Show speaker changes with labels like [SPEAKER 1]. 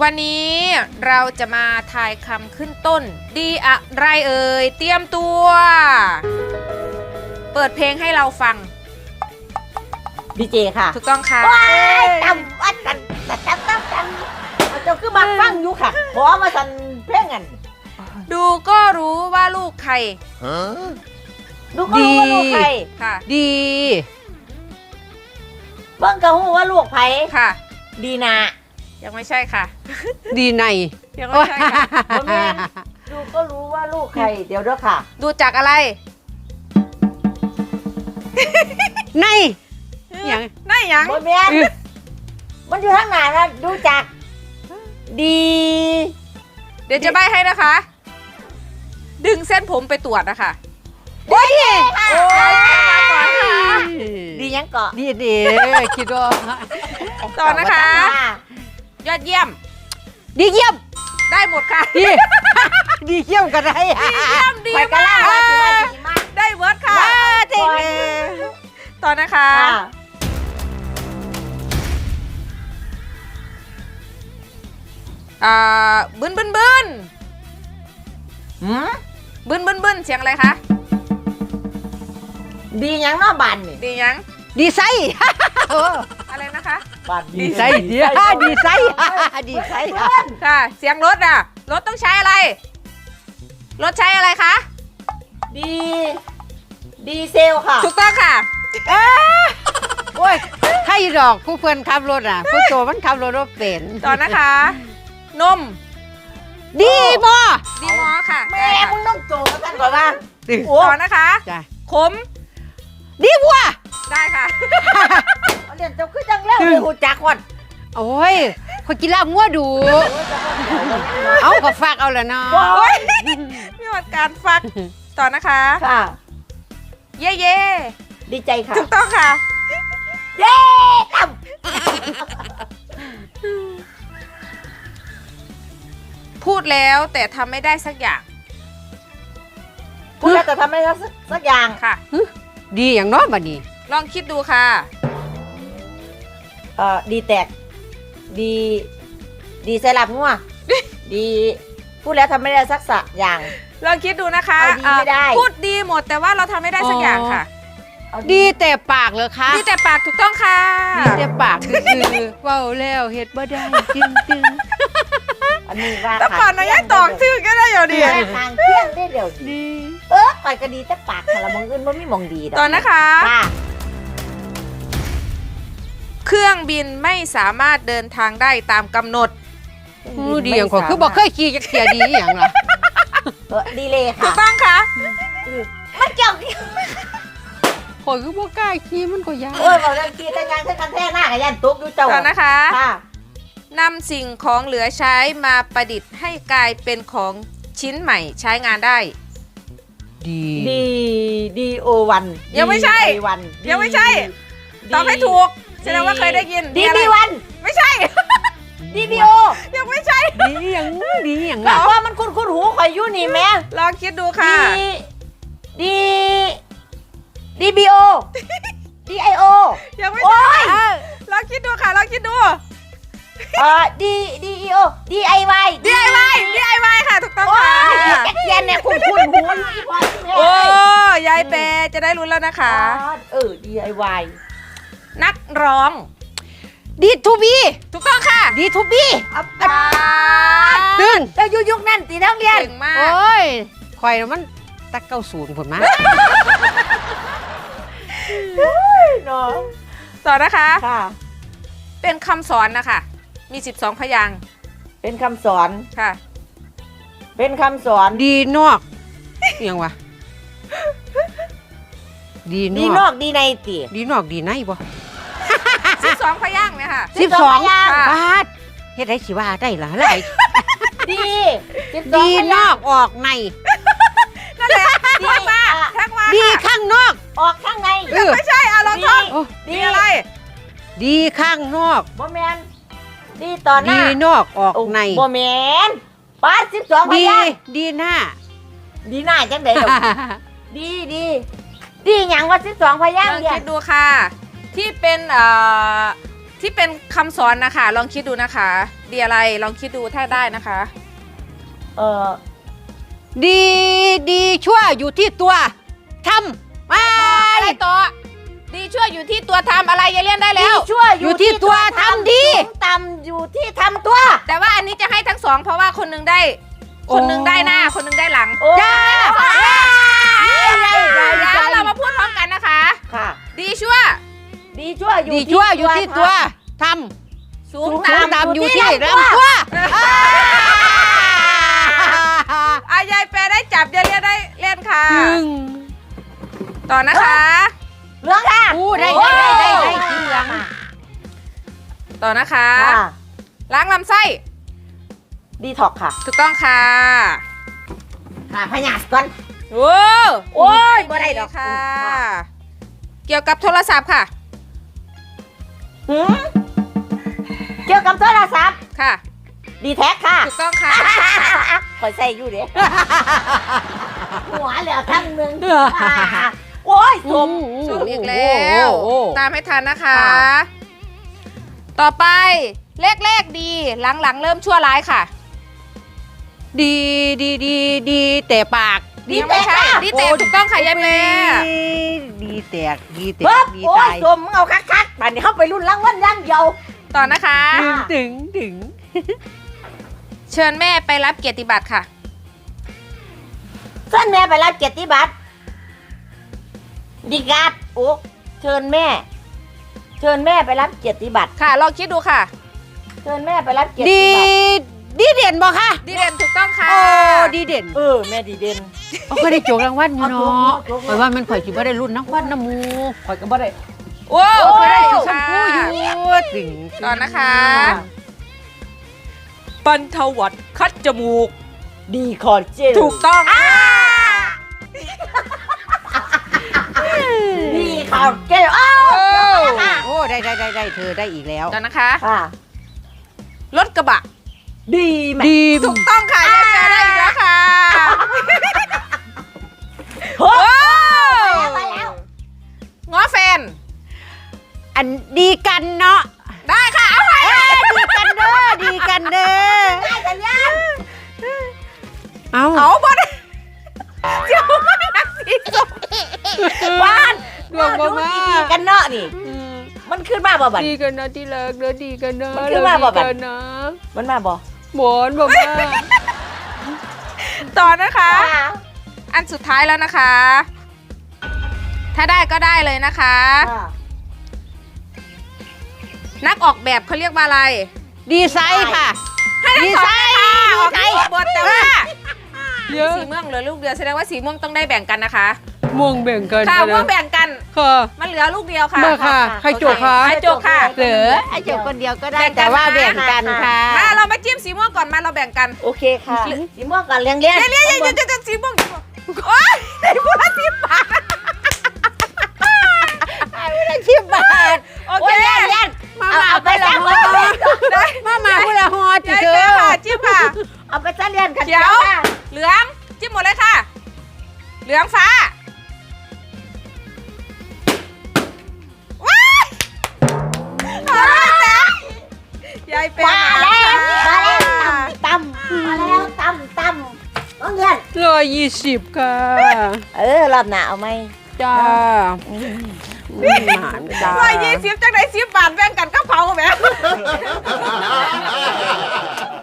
[SPEAKER 1] วันนี้เราจะมาทายคำขึ้นต้นดีอะไรเอ่ยเตรียมตัว เปิดเพลงให้เราฟัง
[SPEAKER 2] ดีเจค่ะ
[SPEAKER 1] ถูกต้องค่ะ
[SPEAKER 2] ว้ายจำวัดกันเอาเจ้าคือมาฟังอยู่ค่ะขอมาสั่นเพลงกัน
[SPEAKER 1] ดูก็รู้ว่าลูกใคร
[SPEAKER 2] ดูก็รู้ว่าลูกใคร
[SPEAKER 1] ค่ะ
[SPEAKER 3] ดี
[SPEAKER 2] เบิ่งก็รู้ว่าลูกไผ
[SPEAKER 1] ค่ะ
[SPEAKER 2] ดีนา
[SPEAKER 1] ยังไม่ใช่ค่ะ
[SPEAKER 3] ดีใน
[SPEAKER 1] ยังไม่ใช่ค่ะ
[SPEAKER 2] บ่แม่นดูก็รู้ว่าลูกใครเดี๋ยวเด้อค่ะ
[SPEAKER 1] ดูจากอะไร
[SPEAKER 3] ในอย่าง
[SPEAKER 1] นั่นยัง
[SPEAKER 2] บ่แม่นมันอยู่ทางหน้านะดูจากดี
[SPEAKER 1] เดี๋ยวจะใบ้ให้นะคะ ดึงเส้นผมไปตรวจนะคะ
[SPEAKER 2] โอ้ย
[SPEAKER 1] โอ้ยมาก่อนค่ะ
[SPEAKER 2] ดีหยังเกาะ
[SPEAKER 3] ดีดีคิดว่า
[SPEAKER 1] ต่อนะคะ ยอดเยี่ยม
[SPEAKER 3] ดีเยี่ยม
[SPEAKER 1] ได้หมดค่ะ
[SPEAKER 3] ดีดีเยี่ยมกันได้
[SPEAKER 1] เยี่ยมดี
[SPEAKER 2] ไปกัน
[SPEAKER 1] มา
[SPEAKER 2] ล่าก ว่าสิว่าดีมาก
[SPEAKER 1] ได้เวิร์ดค่ะ
[SPEAKER 3] เจ๋งเลย
[SPEAKER 1] ต่อนะคะ
[SPEAKER 2] ค่ะ
[SPEAKER 1] บึนบึนบึน
[SPEAKER 2] หืม
[SPEAKER 1] บึนบึนบึนเสียงอะไรคะ
[SPEAKER 2] ดีหยังเนาะบ้านนี่
[SPEAKER 1] ดียัง
[SPEAKER 3] ดีไซน์
[SPEAKER 1] อะไรนะคะ
[SPEAKER 2] บ้าน
[SPEAKER 3] ดีไซน์ดีดีไซน์ดีไซน์
[SPEAKER 1] ค่ะ เสียงรถอ่ะ รถต้องใช้อะไร รถใช้อะไรคะ
[SPEAKER 2] ดีเซลค่ะ
[SPEAKER 1] ถูกต้องค่ะ
[SPEAKER 3] โอ้ยใครดอกผู้เพื่อนขับรถอ่ะผู้โตมันขับรถเป็น
[SPEAKER 1] ต่อนะคะ นม
[SPEAKER 3] ดีบ่
[SPEAKER 1] ดีมอค่ะ
[SPEAKER 2] แม่มึงต้องโจกันกันก่อนว่า
[SPEAKER 3] โอ้
[SPEAKER 1] ต่อนะคะ
[SPEAKER 3] จ้ะ
[SPEAKER 1] ขม
[SPEAKER 3] ดีบัว
[SPEAKER 1] ได้ค่ะ
[SPEAKER 2] เรียนเจ้าคือจังแล้วเลยหูจักวัน
[SPEAKER 3] โอ้ยคนกินลาบงัวดู เอาก็ฝากเอาละเนาะ
[SPEAKER 1] โอ้ยมีวันการฟัก ต่อนะคะ
[SPEAKER 2] ค่ะ
[SPEAKER 1] เย่เย่
[SPEAKER 2] ดีใจค่ะ
[SPEAKER 1] ถูกต้องค่ะ
[SPEAKER 2] เย้ตั้ม
[SPEAKER 1] พูดแล้วแต่ทำไม่ได้สักอย่าง
[SPEAKER 2] พูดแล้วจะทำอะไรสักอย่าง
[SPEAKER 1] ค่ะ
[SPEAKER 3] ดีอย่างน้อยบัดนี้
[SPEAKER 1] ลองคิดดูค่ะ
[SPEAKER 2] ดีแตก ดีใส่หลับงัวดี พูดแล้วทำไม่ได้สักอย่าง
[SPEAKER 1] ลองคิดดูนะคะ
[SPEAKER 2] เอาดีไม่ได้
[SPEAKER 1] พูดดีหมดแต่ว่าเราทำไม่ได้สักอย่างค่ะ
[SPEAKER 2] เอา
[SPEAKER 3] ดีแต่ปากเหรอคะ
[SPEAKER 1] ดีแต่ปากถูกต้องค่ะ
[SPEAKER 3] ดีแต่ปากคือเว้าแล้วเฮ็ดบ่ได้จริง
[SPEAKER 2] อันนี้ว่า
[SPEAKER 1] แต่ก่อนเรายังตอกชื่อก็ได้อยู่ดี
[SPEAKER 2] ทางเที่ยงได้เดี๋ยว
[SPEAKER 3] ๆดี
[SPEAKER 2] ไปก็ดีแต่ปากค่ะละมองอื่นมันไม่มองดีดก
[SPEAKER 1] ตอนนะคะ
[SPEAKER 2] ค่ะ
[SPEAKER 1] เครื่องบินไม่สามารถเดินทางได้ตามกำหนด
[SPEAKER 3] รู้ดีอย่างกว่าคือบ่เคยขี่จักเที่ยดีอหย่างล่ะ
[SPEAKER 2] ดีเลย
[SPEAKER 1] ถู
[SPEAKER 2] ค่ะ
[SPEAKER 1] กต้องค่ะ
[SPEAKER 2] มันเจ้า
[SPEAKER 3] ข่อยคือบ่กล้าขี่มันก็ยาก
[SPEAKER 2] โอ้ยบอกเรื่องกีแต่งานเส้นกันแท้หน้ากับยันตุ๊กอยู่เจ้า
[SPEAKER 1] ต่อนะคะ
[SPEAKER 2] ค่ะ
[SPEAKER 1] นำสิ่งของเหลือใช้มาประดิษฐ์ให้กลายเป็นของชิ้นใหม่ใช้งานได้
[SPEAKER 3] ดี
[SPEAKER 2] ดีโอวัน
[SPEAKER 1] ยังไม่ใช่
[SPEAKER 2] วัน
[SPEAKER 1] ยังไม่ใช่ตอบให้ถูกแสดงว่าเคยได้ยิน
[SPEAKER 2] ดี
[SPEAKER 1] อะไร
[SPEAKER 2] ดีวัน
[SPEAKER 1] ไม่ใช่
[SPEAKER 2] ดีดีโอ
[SPEAKER 1] ยังไม่ใช่
[SPEAKER 3] ดีอย่างดีอย่าง
[SPEAKER 2] บอ
[SPEAKER 3] ล่ะ
[SPEAKER 2] กว่ามันคุ้นหูข่อยอยู่นี่แม่
[SPEAKER 1] ลองคิดดูค่ะ
[SPEAKER 2] ดีบีโอดีไอโอ
[SPEAKER 1] ยังไม่
[SPEAKER 2] โอ้
[SPEAKER 1] ใช่
[SPEAKER 2] ย
[SPEAKER 1] ลองคิดดูค่ะลองคิดดู
[SPEAKER 2] ดีอีโอดีไอวาย
[SPEAKER 1] DIY ค่ะถูกต้อง
[SPEAKER 2] โอ้
[SPEAKER 1] ค่ะ
[SPEAKER 2] ยแกเทียนเนี่ยคุ้นหูอยู่อีพอที่แม่
[SPEAKER 1] โอ้ยายเปจะได้รู้แล้วนะคะ
[SPEAKER 2] DIY
[SPEAKER 1] นักร้อง
[SPEAKER 3] ดีทูบี
[SPEAKER 1] ถูกต้องค่ะ
[SPEAKER 3] ดีทูบี
[SPEAKER 1] ปาด
[SPEAKER 3] ตื่น
[SPEAKER 2] แล้วยุคนั้นตีนักเรียน
[SPEAKER 1] เก่งมาก
[SPEAKER 3] โอ้ยข่อยน่ะมันตะ90พุ่นมา
[SPEAKER 2] เนาะ
[SPEAKER 1] ต่อนะคะ
[SPEAKER 2] ค่ะ
[SPEAKER 1] เป็นคำสอนนะคะ มี 12 พยางค์
[SPEAKER 2] เป็นคำสอน
[SPEAKER 1] ค่ะ
[SPEAKER 2] เป็นคำสอน
[SPEAKER 3] ดีนอกอิหยังวะดี
[SPEAKER 2] ดี
[SPEAKER 3] น
[SPEAKER 2] น
[SPEAKER 3] อ
[SPEAKER 2] อก กดีในตี
[SPEAKER 3] ดีนอกดีในบ่
[SPEAKER 1] 12 พยางค์เนี่ยค่ะ
[SPEAKER 3] 12
[SPEAKER 1] ค่ะ
[SPEAKER 3] บาทเฮ็ดได้สิว่าได้ล่ะหลาย
[SPEAKER 2] ดี12
[SPEAKER 3] ดีนอกออกใน
[SPEAKER 1] นั่นแหละทักมาทักมา
[SPEAKER 3] ดี
[SPEAKER 1] ค่ะ
[SPEAKER 3] ข้างนอก
[SPEAKER 2] ออกข้างใน
[SPEAKER 3] เออ
[SPEAKER 1] ไม่ใช่เอาลองท่อง
[SPEAKER 3] โอ้
[SPEAKER 1] ดีอะไร
[SPEAKER 3] ดีข้างนอก
[SPEAKER 2] บ่แมนดีต่อห
[SPEAKER 3] ดี
[SPEAKER 2] น้าน
[SPEAKER 3] อกออกใน
[SPEAKER 2] บ่แมนป้า12พ
[SPEAKER 3] ดี
[SPEAKER 2] ยางค์
[SPEAKER 3] ดีหน้า
[SPEAKER 2] ดีหน้าจังได๋ดอกดีหยังว่า12พยาง
[SPEAKER 1] ล
[SPEAKER 2] ค์
[SPEAKER 1] อง
[SPEAKER 2] เรีย
[SPEAKER 1] คิ
[SPEAKER 2] น
[SPEAKER 1] ดดูค่ะ ที่เป็นคำสอนนะคะ ลองคิดดูนะคะดีอะไรลองคิดดูถ้าได้นะคะ
[SPEAKER 3] ดีดีชั่วอยู่ที่ตัวทำ
[SPEAKER 1] อะไรต่อดีชั่วอยู่ที่ตัวทำอะไรยายเลี่ยนได้แล้ว
[SPEAKER 2] ชั่ว
[SPEAKER 3] อยู่ที่ตัวทำดี
[SPEAKER 2] สูงต่ำอยู่ที่ทำตัว
[SPEAKER 1] แต่ว่าอันนี้จะให้ทั้งสองเพราะว่าคนหนึงได้หน้าคนหนึงได้หลัง
[SPEAKER 3] จ้า
[SPEAKER 1] แล้วเรามาพูดพร้อมกันนะคะ
[SPEAKER 2] ค่ะ
[SPEAKER 1] ดีชั่ว
[SPEAKER 2] ดีชั่ว
[SPEAKER 3] ดีชั่วอยู่ที่ตัวทำ
[SPEAKER 1] สูง
[SPEAKER 3] สูง
[SPEAKER 1] ต่ำ
[SPEAKER 3] ต่ำอยู่ที่ลำตัว
[SPEAKER 1] ยายแปรได้จับยายเลี่ยนได้เล่นค่ะ ต่อนะคะ
[SPEAKER 2] เหลืองค่ะ
[SPEAKER 3] ได้สีเหลือง
[SPEAKER 1] ต่อนะคะ
[SPEAKER 2] ค่ะ
[SPEAKER 1] ล้างลำไส้
[SPEAKER 2] ดีท็อกค่ะ
[SPEAKER 1] ถูกต้องค่ะ
[SPEAKER 2] ค่ะพยาธิก่อน
[SPEAKER 1] โอ้
[SPEAKER 2] โอ้ยบ่ได้ดอก
[SPEAKER 1] ค่ะ เกี่ยวกับโทรศัพท์ค่ะ
[SPEAKER 2] หืมเกี่ยวกับโทรศัพท์
[SPEAKER 1] ค่ะ
[SPEAKER 2] ดีแท็กค่ะ
[SPEAKER 1] ถูกต้องค่ะ
[SPEAKER 2] คอยใส่อยู่เด้หัวเหลือทั้งหนึงโอ้ยสม
[SPEAKER 1] ส้มอีกแล้ว ตามให้ทันนะคะ
[SPEAKER 2] ค่ะ
[SPEAKER 1] ต่อไปเลขดีหลังๆเริ่มชั่วร้ายค่ะ
[SPEAKER 3] ดีแต่ปาก
[SPEAKER 1] ยังไม่ใช่ดีแต่ถูกต้องค่ะยายแปร
[SPEAKER 3] ดีแตกดี
[SPEAKER 2] เฮ้ย
[SPEAKER 3] ดี
[SPEAKER 2] โอ้
[SPEAKER 3] ตาย ย
[SPEAKER 2] สมมึงเอาคักๆป่านนี้เข้าไปรุ่นรางวัลย่างเดียว
[SPEAKER 1] ต่อนะคะ
[SPEAKER 3] ถึง
[SPEAKER 1] เชิญแม่ไปรับเกียรติบัตรค่ะ
[SPEAKER 2] เส้นแม่ไปรับเกียรติบัตรดีการ์ดโอ้เชิญแม่ไปรับเกียรติบัตร
[SPEAKER 1] ค่ะลองคิดดูค่ะ
[SPEAKER 2] เชิญแม่ไปรับเกียรติ
[SPEAKER 3] ดี
[SPEAKER 2] บัตร
[SPEAKER 3] ดีเด่นบ่คะ
[SPEAKER 1] ดีเด่นถูกต้องค่ะ
[SPEAKER 3] โอ้ดีเด่น
[SPEAKER 2] แม่ดีเด่น
[SPEAKER 3] เขาก็ได้โจกรางวัลอยู่เนาะ
[SPEAKER 2] โจก
[SPEAKER 3] ข่อยว่ามันข่อยสิบ่ได้รุ่นนักวัดน้ำมู
[SPEAKER 2] คอยก็บ่ได้
[SPEAKER 1] โอ้
[SPEAKER 3] ข่อยได้
[SPEAKER 1] ได้
[SPEAKER 3] สี
[SPEAKER 1] อยู่
[SPEAKER 3] ชม
[SPEAKER 1] ค่ะ
[SPEAKER 3] พูอยู่ถึง
[SPEAKER 1] ต่อนะคะ ปันทวัดคัดจมูก
[SPEAKER 2] ดีคอเจล
[SPEAKER 1] ถูกต้องค่ะ
[SPEAKER 2] ดีคอเจลอ้าว
[SPEAKER 3] โอ้ได้เธอได้อีกแล้ว
[SPEAKER 1] ต่อนะคะ
[SPEAKER 2] ค่ะ
[SPEAKER 1] รถกระบะ
[SPEAKER 2] ดีไหม
[SPEAKER 3] ดี
[SPEAKER 1] ถูกต้องค่ะยายแปรได้อีกแล้วค่ะ
[SPEAKER 2] โอ้
[SPEAKER 1] โอ้
[SPEAKER 2] ไปแล้ว
[SPEAKER 1] ง้อแฟน
[SPEAKER 3] อันดีกันเนาะ
[SPEAKER 1] ได้ค่ะเอาไป
[SPEAKER 3] ดีกันเด้อดีกันเด้อ
[SPEAKER 2] ได้สัญญาณ
[SPEAKER 3] เอา
[SPEAKER 1] เอาบอลเจ้าไม่รักสีส้ม
[SPEAKER 2] บ้าน
[SPEAKER 3] ดวงบ่มา
[SPEAKER 2] ดีกันเนาะนี่ มันขึ้นมาบ่บัด
[SPEAKER 3] ดีกันนะที่รักเด้อดีกันนะ
[SPEAKER 2] มันคือว่าบ่บัด
[SPEAKER 3] ดีกันนะ
[SPEAKER 2] มันมาบ่
[SPEAKER 3] หมอนบ่มา
[SPEAKER 1] ต่อนะคะ อันสุดท้ายแล้วนะคะ ถ้าได้ก็ได้เลยนะคะ นักออกแบบเขาเรียกว่าอะไร
[SPEAKER 3] ดีไซน์ค่ะ ดีไซน์
[SPEAKER 1] ออกแบบบทแต่ว่า
[SPEAKER 3] เยอะ
[SPEAKER 1] สีม่วงเหลือลูกเดียวแสดงว่าสีม่วงต้องได้แบ่งกันนะคะ
[SPEAKER 3] ม่วงแบ่งกัน
[SPEAKER 1] ค่ะม่วงแบ่งกัน
[SPEAKER 3] ค่ะ
[SPEAKER 1] มันเหลือลูกเดียวค่ะ
[SPEAKER 3] มาค่ะใครโจกคะ
[SPEAKER 1] ใครโจกค่ะ
[SPEAKER 3] เหลือไอ้โจกคนเดียวก็ได้
[SPEAKER 1] แบ่งกัน
[SPEAKER 3] แต่ว่าแบ่งกันค่ะ
[SPEAKER 1] มาเรามาจิ้มสีม่วงก่อนมาเราแบ่งกัน
[SPEAKER 2] โอเคค่ะสีม่วงก่อนเลี้ยงเลี้ยง
[SPEAKER 1] เรียนจะสีม่วงโอ๊ยได้พูดละ10 บาท
[SPEAKER 3] ไม่ได้ชิบบาท
[SPEAKER 1] โอเค
[SPEAKER 2] เลี้ยงเลี้ยง
[SPEAKER 3] มา
[SPEAKER 2] เอาไป
[SPEAKER 3] ละ
[SPEAKER 2] ซะ
[SPEAKER 3] ฮอ
[SPEAKER 1] ได้
[SPEAKER 3] มาพูดละฮอจิ
[SPEAKER 1] ยาย
[SPEAKER 3] เธ
[SPEAKER 1] แปร
[SPEAKER 3] อ
[SPEAKER 1] ค่ะจิ้มค่ะ
[SPEAKER 2] เอาไปซะเลี้ยงกัน
[SPEAKER 1] เขียว เหลืองจิ้มหมดเลยค่ะ เหลืองฟ้าว้ายเอาละจ้ะยายแปร
[SPEAKER 2] มาแล้ว
[SPEAKER 1] ค่ะ
[SPEAKER 2] มาแล้วตำมาแล้วตำน้องเลี้ยง
[SPEAKER 3] 120ค่ะ
[SPEAKER 2] รอบหน้าเอาไหม
[SPEAKER 3] จ้าหมานจ้า
[SPEAKER 1] 120จังไหน10 บาทแบ่งกันกับเขาแหม